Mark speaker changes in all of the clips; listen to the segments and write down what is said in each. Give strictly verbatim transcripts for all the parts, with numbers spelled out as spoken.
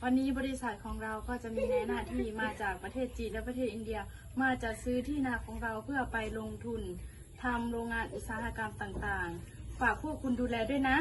Speaker 1: วันนี้บริษัทของเราก็จะมีนายหน้าที่มาจากประเทศจีนและประเทศอินเดียมาจัดซื้อที่นาของเราเพื่อไปลงทุนทำโรงงานอุตสาหกรรมต่างๆฝากพวกคุณดูแลด้วยนะ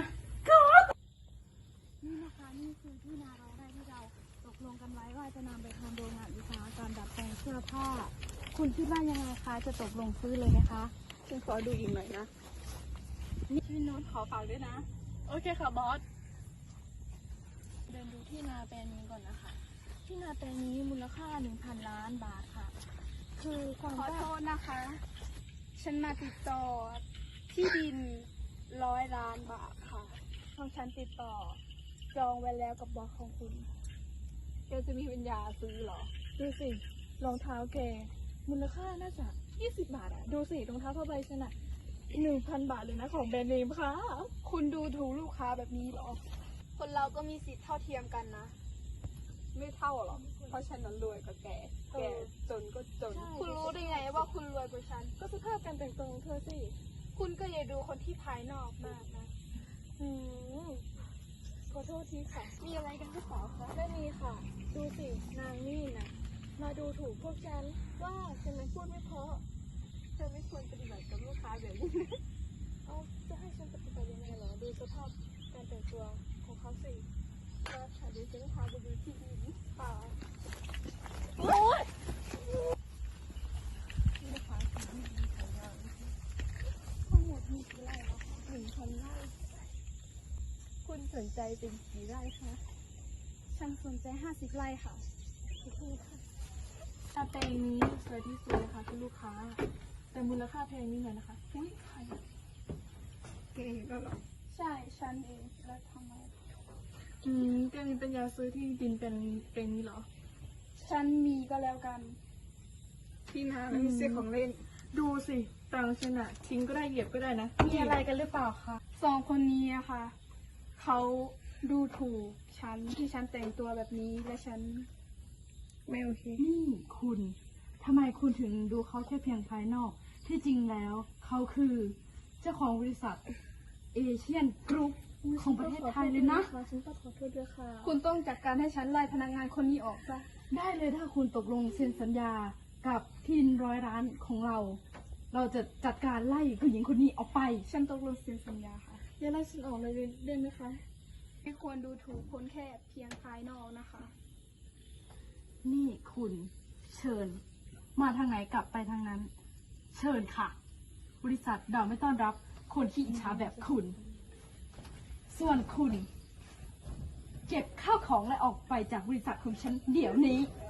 Speaker 1: นี่นะคะนี่คือที่นาเราได้ที่เราตกลงกันไว้ว่าจะนำไปทำโรงงานอุตสาหกรรมดัดแปลงเสื้อผ้าคุณคิดว่ายังไงคะจะตกลงซื้อเลยไหมคะฉันขอดูอีกหน่อยนะนี่พี่โน้ตขอฝากด้วยนะโอเคค่ะบอสเดินดูที่นาแปลงนี้ก่อนนะคะที่นาแปลงนี้มูลค่าหนึ่งพันล้านบาทค่ะคือความขอโทษนะคะฉันมาติดต่อที่ดินร้อยล้านบาทค่ะของฉันติดต่อจองไว้แล้วกับบอสของคุณแกจะมีปัญญาซื้อเหรอดูสิรองเท้าแกมูลค่าน่าจะยี่สิบบาทอะดูสิรองเท้าผ้าใบฉันอะหนึ่งพันบาทเลยนะของแบรนด์เนมค่ะคุณดูถูกลูกค้าแบบนี้เหรอคนเราก็มีสิทธิ์เท่าเทียมกันนะไม่เท่าหรอกเพราะฉันนั้นรวยกว่าแกแกจนก็จนคุณรู้ได้ไงว่าคุณรวยกว่าฉันก็สภาพการแต่งตัวของเธอสิคุณก็อย่าดูคนที่ภายนอกมากนะอืมขอโทษทีค่ะมีอะไรกันหรือเปล่าคะไม่มีค่ะดูสินางนี่นะมาดูถูกพวกฉันว่าฉันนั้นพูดไม่เพราะเธอไม่ควรปฏิบัติกับลูกค้าแบบนี้เอาจะให้ฉันปฏิบัติยังไงเหรอดูสภาพการแต่งตัวของเขาสิก็ค่ะดูฉันพาไปดูที่ดินค่ะโอ๊ยนี่นะคะที่ดินของเราทั้งหมดมีกี่ไร่แล้วคะหนึ่งพันไร่คุณสนใจเป็นกี่ไร่คะฉันสนใจห้าสิบไร่ค่ะขอบคุณค่ะแปลงนี้สวยที่สุดเลยค่ะคุณลูกค้าแต่มูลค่าแพงนิดหน่อยนะคะอุ้ยใครเก่งก็หรอใช่ฉันเองแล้วทำไมอืมแกมีปัญญาซื้อที่ดินเป็นเป็นนี้เหรอฉันมีก็แล้วกันที่นาไม่ใช่ของเล่นดูสิตังฉันอะทิ้งก็ได้เหยียบก็ได้นะมีอะไรกันหรือเปล่าคะสองคนนี้อะค่ะเขาดูถูกฉันที่ฉันแต่งตัวแบบนี้และฉันไม่โอเคนี่คุณทำไมคุณถึงดูเขาแค่เพียงภายนอกที่จริงแล้วเขาคือเจ้าของบริษัทเอเชียนกรุ๊ปของประเทศไทยเลยนะฉันก็ขอโทษด้วยค่ะคุณต้องจัดการให้ฉันไล่พนักงานคนนี้ออกซะได้เลยถ้าคุณตกลงเซ็นสัญญากับที่ดินร้อยล้านของเราเราจะจัดการไล่ผู้หญิงคนนี้ออกไปฉันตกลงเซ็นสัญญาค่ะอย่าไล่ฉันออกเลยได้ไหมคะไม่ควรดูถูกคนแค่เพียงภายนอกนะคะนี่คุณเชิญมาทางไหนกลับไปทางนั้นเชิญค่ะบริษัทเราไม่ต้อนรับคนที่อิจฉาแบบคุณส่วนคุณเก็บข้าวของและออกไปจากบริษัทของฉันเดี๋ยวนี้